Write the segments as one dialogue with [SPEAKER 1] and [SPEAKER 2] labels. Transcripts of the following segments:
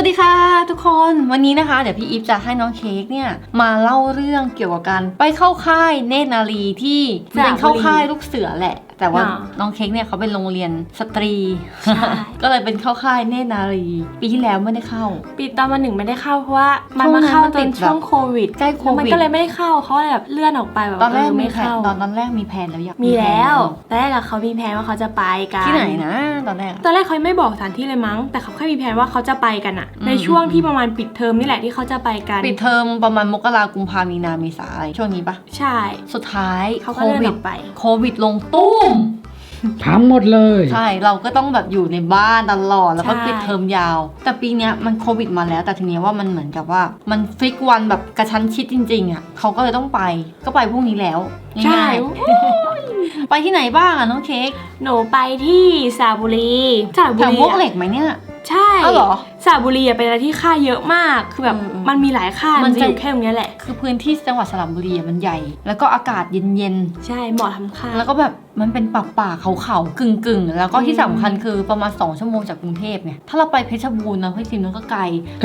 [SPEAKER 1] วัสดีค่ะทุกคนวันนี้นะคะเดี๋ยวพี่อีฟจะให้น้องเค้กเนี่ยมาเล่าเรื่องเกี่ยวกับการไปเข้าค่ายเนตรนารีที่เป็นเข้าค่ายลูกเสือแหละแต่ว่าน้องเค้กเนี่ยเขาเป็นโรงเรียนสตรี ก็เลยเป็นเข้าค่ายเนตรนารีปีที่แล้วไม่ได้เข้า
[SPEAKER 2] ปีตอนมาหนึ่งไม่ได้เข้าเพราะว่ามันมาเข้าตอนช่วงโควิด
[SPEAKER 1] ใกล้โควิด
[SPEAKER 2] มันก็เลยไม่ได้เข้าเขาแบบเลื่อนออกไปแบบ
[SPEAKER 1] ตอนแรก
[SPEAKER 2] ไม่เข้า
[SPEAKER 1] ตอนแรกมีแผนแล้วอยาก
[SPEAKER 2] มีแล้วตอนแรกเขามีแผนว่าเขาจะไปกัน
[SPEAKER 1] ที่ไหนนะตอนแรก
[SPEAKER 2] เขาไม่บอกสถานที่เลยมั้งแต่เขาแค่มีแผนว่าเขาจะไปกันอะในช่วงที่ประมาณปิดเทอมนี่แหละที่เขาจะไปกัน
[SPEAKER 1] ปิดเทอมประมาณมกราคมกุมภามีนาเมษาอะไรช่วงนี้ปะ
[SPEAKER 2] ใช่
[SPEAKER 1] สุดท้าย
[SPEAKER 2] เขาก็เลื่อนออกไป
[SPEAKER 1] โควิดลงตุ้ม
[SPEAKER 3] ทั้งหมดเลย
[SPEAKER 1] ใช่เราก็ต้องแบบอยู่ในบ้านตลอดแล้วก็ปิดเทอมยาวแต่ปีนี้มันโควิดมาแล้วแต่ทีนี้ว่ามันเหมือนกับว่ามันฟิกวันแบบกระชั้นชิดจริงๆอ่ะเขาก็เลยต้องไปก็ไปพรุ่งนี้แล้วง่ายๆ ไปที่ไหนบ้างอ่ะน้องเค้ก
[SPEAKER 2] หนูไปที่สระบุรี
[SPEAKER 1] แถวมวกเหล็กไหมเนี่ย
[SPEAKER 2] ใช่
[SPEAKER 1] เหรอ
[SPEAKER 2] สระบุรีเป็นอะไรที่ค่ายเยอะมากคือแบบมันมีหลายค่ายมันจะอยู่แค่ตรงนี้แหละ
[SPEAKER 1] คือพื้นที่จังหวัดสระบุรีมันใหญ่แล้วก็อากาศเย็น
[SPEAKER 2] ๆใช่เหมาะทำค่าย
[SPEAKER 1] แล้วก็แบบมันเป็นป่าเขากึ่งแล้วก็ที่สำคัญคือประมาณ2 ชั่วโมงจากกรุงเทพเนี่ยถ้าเราไปเพชรบูรณ์นะพี่ซิมนั่นก็ไกล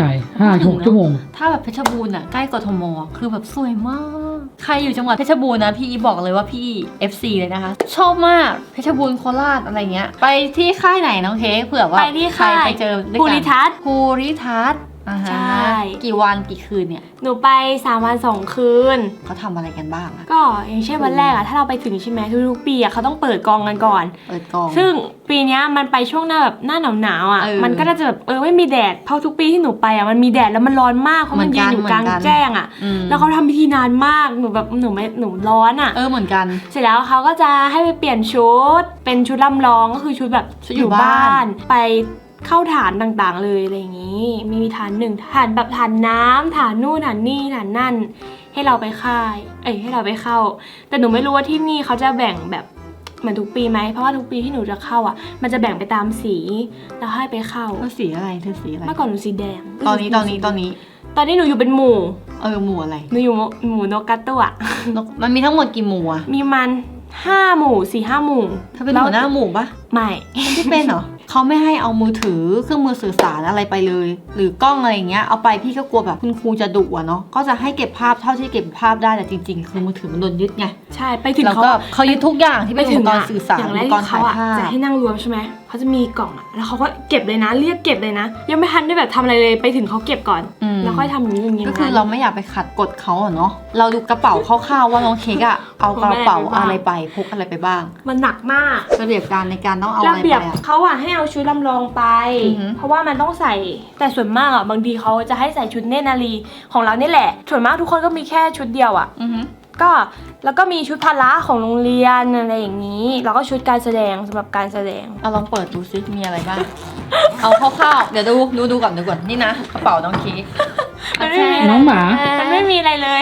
[SPEAKER 3] 5-6 ชั่วโมง
[SPEAKER 1] ถ้าแบบเพชรบูรณ์อ่ะใกล้กทมคือแบบสวยมากใครอยู่จังหวัดเพชรบูรณ์นะพี่บอกเลยว่าพี่ FC เลยนะคะชอบมากเพชรบูรณ์โคราชอะไรเงี้ยไปที่ค่ายไหนน้องเค้กเผื่อว่า
[SPEAKER 2] ไปที่ค่าย
[SPEAKER 1] ไปเจอ
[SPEAKER 2] ภูริทัศน์
[SPEAKER 1] ใช่กี่วันกี่คืนเนี่ย
[SPEAKER 2] หนูไป3 วัน 2 คืน
[SPEAKER 1] เขาทำอะไรกันบ้างอะ
[SPEAKER 2] ก็อย่างเช่นวันแรกอะถ้าเราไปถึงใช่ไหมทุกๆปีอะเขาต้องเปิดกองกันก่อน
[SPEAKER 1] เปิดกอง
[SPEAKER 2] ซึ่งปีนี้มันไปช่วงหน้าแบบหน้าหนาวอะมันก็จะแบบไม่มีแดดเพราะทุกปีที่หนูไปอะมันมีแดดแล้วมันร้อนมากเพราะมันยืนอยู่กลางแจ้งอะแล้วเขาทำพิธีนานมากหนูแบบหนูร้อนอะ
[SPEAKER 1] เหมือนกัน
[SPEAKER 2] เสร็จแล้วเขาก็จะให้ไปเปลี่ยนชุดเป็นชุดลำลองก็คือชุดแบบอยู่บ้านไปเข้าฐานต่างๆเลยอะไรอย่างนี้มีฐาน1ฐานแบบฐานน้ำฐานนู่นฐานนี่ฐานนั่นให้เราไปค่ายให้เราไปเข้าแต่หนูไม่รู้ว่าที่นี่เขาจะแบ่งแบบเหมือนทุกปีไหมเพราะว่าทุกปีที่หนูจะเข้าอ่ะมันจะแบ่งไปตามสีแล้วให้ไปเข้า
[SPEAKER 1] สีอะไรเธอสีอะไร
[SPEAKER 2] เมื่อก่อนหนูสีแดง
[SPEAKER 1] ตอนนี้
[SPEAKER 2] หนูอยู่เป็นหมู่
[SPEAKER 1] หมู่อะไร
[SPEAKER 2] หนูอยู่หมู่นกกระตั้ว
[SPEAKER 1] มันมีทั้งหมดกี่หมู่อะ
[SPEAKER 2] มีมัน5 หมู่ 4-5 หมู่
[SPEAKER 1] เธอเป็นหัวหน้าหมู่ปะ
[SPEAKER 2] ไม่
[SPEAKER 1] ที่เป็นเหรอเขาไม่ให้เอามือถือเครื่องมือสื่อสารอะไรไปเลยหรือกล้องอะไรอย่างเงี้ยเอาไปพี่ก็กลัวแบบคุณครูจะดุอะเนาะก็จะให้เก็บภาพเท่าที่เก็บภาพได้แต่จริงๆคือมือถือมันโดนยึดไง
[SPEAKER 2] ใช่ไปถึง
[SPEAKER 1] เขายึดทุกอย่างที่เป็นอุปกรณ์สื่อสารอุปกรณ์ถ่ายภาพ
[SPEAKER 2] จะให้นั่งรวมใช่ไหมเขาจะมีกล่องอะแล้วเขาก็เก็บเลยนะเรียกเก็บเลยนะยังไม่ทันได้แบบทำอะไรเลยไปถึงเขาเก็บก่อนแล้วค่อยทำอย่างนี้
[SPEAKER 1] ก็คือเราไม่อยากไปขัดกฎเขาอะเนาะเราดูกระเป๋าคร่าวๆว่าน้องเค้กอะเอากระเป๋าอะไรไปพกอะไรไปบ้าง
[SPEAKER 2] มันหนักมาก
[SPEAKER 1] ระเบียบการในการต้องเอาอะไรไป
[SPEAKER 2] เขาอะให้เอาชุดลำลองไปเพราะว่ามันต้องใส่แต่ส่วนมากอะบางทีเขาจะให้ใส่ชุดเนตรนารีของเรานี่แหละส่วนมากทุกคนก็มีแค่ชุดเดียวอะก็แล้วก็มีชุดพละของโรงเรียนอะไรอย่างนี้แล้วก็ชุดการแสดงสำหรับการแสดง
[SPEAKER 1] เอาลองเปิดดูซิมีอะไรบ้าง เอาคร่าวๆเดี๋ยวดูก่อนนี่นะกระเป๋าน้องเค้ก
[SPEAKER 3] น้องหมา
[SPEAKER 2] มันไม่มีอะไรเลย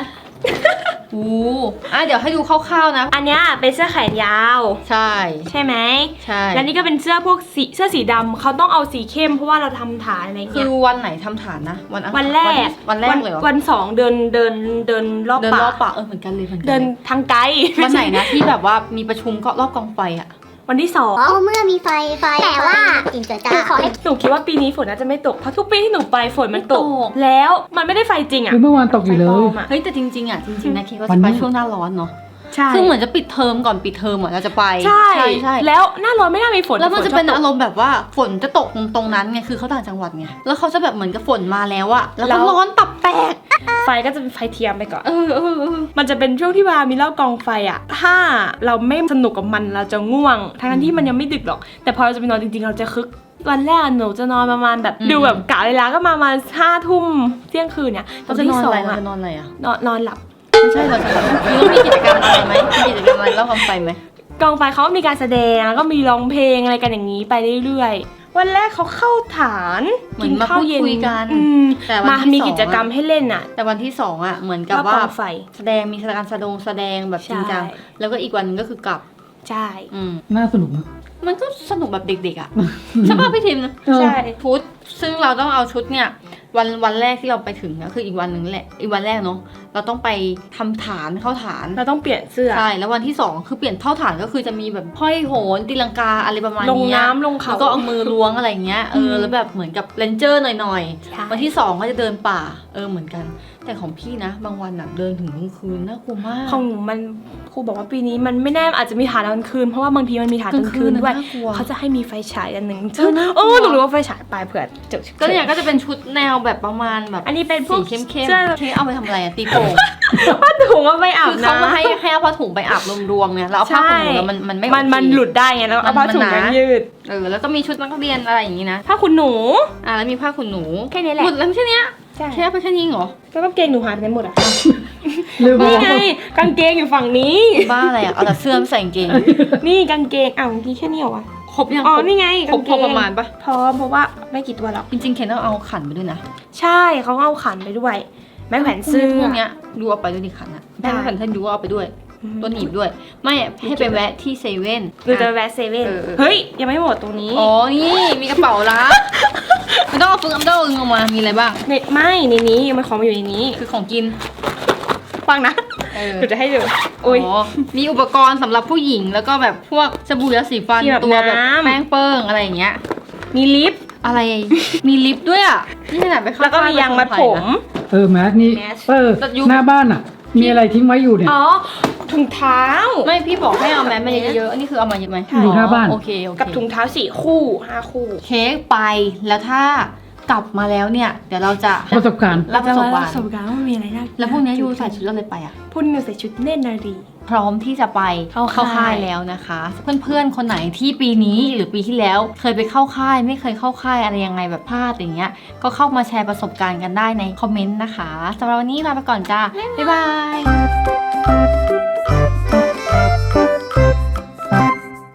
[SPEAKER 1] เดี๋ยวให้ดูคร่าวๆนะ
[SPEAKER 2] อันนี้เป็นเสื้อแขนยาวใช่ไหม
[SPEAKER 1] ใช่
[SPEAKER 2] แล้วนี่ก็เป็นเสื้อพวกเสื้อสีดำเขาต้องเอาสีเข้มเพราะว่าเราทำฐานอะไรเงี้ย
[SPEAKER 1] คือวันไหนทำฐานนะ
[SPEAKER 2] วันแรก
[SPEAKER 1] เลย
[SPEAKER 2] วัน2เดินรอบป่า
[SPEAKER 1] เหมือนกันเลย
[SPEAKER 2] เดินทางไกล
[SPEAKER 1] วันไหนนะที่แบบว่ามีประชุมก็รอบกองไฟอะ
[SPEAKER 2] วันที่
[SPEAKER 4] 2เมื่อมีไฟแต่ว่าอินเตอร์จ้า
[SPEAKER 2] หนูคิดว่าปีนี้ฝนน่าจะไม่ตกเพราะทุกปีที่หนูไปฝนมันตกแล้วมันไม่ได้ไฟจริงอ่ะ
[SPEAKER 3] เมื่อวานตกอยู่เลย
[SPEAKER 1] เฮ้ยแต่จริงๆนะคิดว่าจะไปช่วงหน้าร้อนเนาะคือเหมือนจะปิดเทอมก่อนปิดเทอมเราจะไป
[SPEAKER 2] ใช่แล้วหน้าร้อนไม่น่ามีฝน
[SPEAKER 1] แล้วมันจะเป็นอารมณ์แบบว่าฝนจะตกตรงนั้นไงคือเขาต่างจังหวัดไงแล้วเขาจะแบบเหมือนกับฝนมาแล้วอะแล้วก็ร้อนตับแตก
[SPEAKER 2] ไฟก็จะเป็นไฟเทียมไปก่อนมันจะเป็นช่วงที่ว่ามีเล่ากองไฟอะถ้าเราไม่สนุกกับมันเราจะง่วงทั้งที่มันยังไม่ดึกหรอกแต่พอเราจะไปนอนจริงๆเราจะคึกวันแรกหนูจะนอนประมาณแบบดูแบบกะเวลาก็มา5 ทุ่มเที่ยงคืนเนี่ย
[SPEAKER 1] เราจะนอนอะไรอะ
[SPEAKER 2] นอนหลับ
[SPEAKER 1] ไม่ใช่เราจะแบบมีกิจกรรมอะไรไหมมีกิจกรรมอะไรเล่ากองไฟไหม
[SPEAKER 2] กองไฟเขามีการแสดงแล้วก็มีร้องเพลงอะไรกันอย่างนี้ไปเรื่อยๆวันแรกเขาเข้าฐาน
[SPEAKER 1] กินข้าวเย็น
[SPEAKER 2] กันแต่มามีกิจกรรมให้เล่นอะ
[SPEAKER 1] แต่วันที่2อะเหมือนกับว่าแสดงมีการแสดงแบบจริงจังแล้วก็อีกวันนึงก็คือกลับ
[SPEAKER 2] ใช่
[SPEAKER 3] น่าสนุกนะ
[SPEAKER 1] มันก็สนุกแบบเด็กๆอะใช่ป่ะพี่ทิมนะใช่ชุดซึ่งเราต้องเอาชุดเนี่ยวันแรกที่เราไปถึงก็คืออีกวันนึงแหละอีกวันแรกเนาะเราต้องไปทำฐานเข้าฐาน
[SPEAKER 2] เราต้องเปลี่ยนเสื้อ
[SPEAKER 1] ใช่แล้ววันที่ 2 คือเปลี่ยนเข้าฐานก็คือจะมีแบบห้อยโหนตีลังกาอะไรประมาณ
[SPEAKER 2] ลง
[SPEAKER 1] นี้
[SPEAKER 2] น้ำลงเขา
[SPEAKER 1] แล้วก็เอามือล้วงอะไรเงี้ยแล้วแบบเหมือนกับเรนเจอร์หน่อย
[SPEAKER 2] ใช่
[SPEAKER 1] ๆวันที่ 2 ก็จะเดินป่าเหมือนกันแต่ของพี่นะบางวันน่ะเดินถึงกลางคืนน่ากลัวมาก
[SPEAKER 2] ของหนูมันครูบอกว่าปีนี้มันไม่แน่อาจจะมีฐานกลางคืนเพราะว่าบางทีมันมีฐานกลางคืนด้วย
[SPEAKER 1] น่ากลัว
[SPEAKER 2] เขาจะให้มีไฟฉายอันหนึ่ง
[SPEAKER 1] น่ากลัว
[SPEAKER 2] หนูรู้ว่าไฟฉายไปเผื่อเจอ
[SPEAKER 1] ก็เนี่ยก็จะเป็นชุดแนวแบบประมาณแบบ
[SPEAKER 2] อันนี้เป็นพว
[SPEAKER 1] สี
[SPEAKER 2] ก
[SPEAKER 1] เข้ม
[SPEAKER 2] เสื้อ
[SPEAKER 1] ๆเคเอาไปทำอะไรอะตีโป่ง
[SPEAKER 2] ผ้าถุงเอาไปอาบ
[SPEAKER 1] คือ
[SPEAKER 2] น้ำ
[SPEAKER 1] เขามาให้เอาผ้าถุงไปอาบรวมๆเนี่ยแล้วเอาผ้าขนหนูแล้วมันไม่โอเค
[SPEAKER 2] มันหลุดได้ไงแล้วเอาผ้าถุง
[SPEAKER 1] มันหนา
[SPEAKER 2] ยืด
[SPEAKER 1] แล้วก็มีชุดนักเรียนอะไรอย่างนี้นะ
[SPEAKER 2] ผ้าขนหนู
[SPEAKER 1] แล้วมีผ้าขนหนู
[SPEAKER 2] แค่นี้แหละ
[SPEAKER 1] หมดแล้วแค่เนี้ย
[SPEAKER 2] ใช่
[SPEAKER 1] แค่เอาไปแค่นี้เหรอ
[SPEAKER 2] แล้วก็เกงหนูหายไปไหนหมดอ่ะ
[SPEAKER 3] ลืมไป
[SPEAKER 2] นี่
[SPEAKER 3] แล้ว
[SPEAKER 2] ไงกางเกงอยู่ฝั่งนี้
[SPEAKER 1] บ้าอะไรอ่ะเอาแต่เสื้อมาใส่กางเกง
[SPEAKER 2] นี่กางเกงอ้าวเมื่อกี้แค่นี้เหรอวะ
[SPEAKER 1] ครบยัง
[SPEAKER 2] อ๋อนี่ไง
[SPEAKER 1] ครบ
[SPEAKER 2] กางเกง
[SPEAKER 1] ประมาณปะ
[SPEAKER 2] พร้อมเพราะว่าไม่กี่ตัวหรอก
[SPEAKER 1] จริงๆเคนต้องเอาขันไปด้วยนะ
[SPEAKER 2] ใช่เขาเอาขันไปด้วย ไม้แขวนเสื้
[SPEAKER 1] พ
[SPEAKER 2] อ
[SPEAKER 1] วกเนี้ยดูเอาไปด้วยดิขันอะ
[SPEAKER 2] ได้
[SPEAKER 1] แม่ขันท่านดูเอาไปด้วยตัวหนีบด้วย ไม่ให้ไปแวะที่เซเว่น
[SPEAKER 2] หรือจะแวะเซเว่น
[SPEAKER 1] เออ
[SPEAKER 2] เฮ้ยยังไม่หมดตรงนี้
[SPEAKER 1] อ๋อนี่มีกระเป๋าละไม่ต้องเอาฟึ่งอัมเดอร์ออกมามีอะไรบ้าง
[SPEAKER 2] ไม่ในนี้มันของมาอยู่ในนี้
[SPEAKER 1] คือของกิน
[SPEAKER 2] ฟังนะ
[SPEAKER 1] เออ
[SPEAKER 2] เดี๋ยวจะให้ดู
[SPEAKER 1] อ๋
[SPEAKER 2] อุ้ย
[SPEAKER 1] อมีอุปกรณ์สำหรับผู้หญิงแล้วก็แบบพวกสบู่ยาสีฟัน
[SPEAKER 2] ที่แบบ
[SPEAKER 1] ตัวแบบ
[SPEAKER 2] น้ำ
[SPEAKER 1] แป้งเปิ้งอะไรอย่างเงี้ย
[SPEAKER 2] มีลิป
[SPEAKER 1] อะไรมีลิปด้วยอ่ะนี่ขนาดไปเข้า
[SPEAKER 2] แล้วก็มียางมัดผม
[SPEAKER 3] แมสนี่
[SPEAKER 2] แมส
[SPEAKER 1] แต่ยุค
[SPEAKER 3] หน้าบ้านอ่ะ มีอะไรทิ้งไว้อยู่เนี่ย
[SPEAKER 2] อ๋อถุงเท้า
[SPEAKER 1] ไม่พี่บอกให้เอาแมสมาเยอะๆอันนี่คือเอามาเยอะไหม
[SPEAKER 3] อยู่หน้าบ้าน
[SPEAKER 1] โอเคโอเค
[SPEAKER 2] กับถุงเท้า4 คู่ 5 คู่
[SPEAKER 1] เค้กไปแล้วถ้ากลับมาแล้วเนี่ย เดี๋ยวเราจะ
[SPEAKER 3] ประสบการณ์
[SPEAKER 1] รับประสบการ
[SPEAKER 2] ประสบ
[SPEAKER 1] ณ์
[SPEAKER 2] การณ์ว่ามันมีอะไรน่า
[SPEAKER 1] แล้วพวกนี้ยูใส่ชุดอะไรไปอ่ะ
[SPEAKER 2] พวกนี้ใส่ชุดเนตรนารี
[SPEAKER 1] พร้อมที่จะไป
[SPEAKER 2] เข้าค่าย
[SPEAKER 1] แล้วนะคะ เพื่อนๆคนไหนที่ปีนี้หรือปีที่แล้ว เคยไปเข้าค่ายไม่เคยเข้าค่ายอะไรยังไงแบบพลาดอย่างเงี้ยก็เข้ามาแชร์ประสบการณ์กันได้ในคอมเมนต์นะคะสำหรับวันนี้ลาไปก่อนจ้าบ๊ายบาย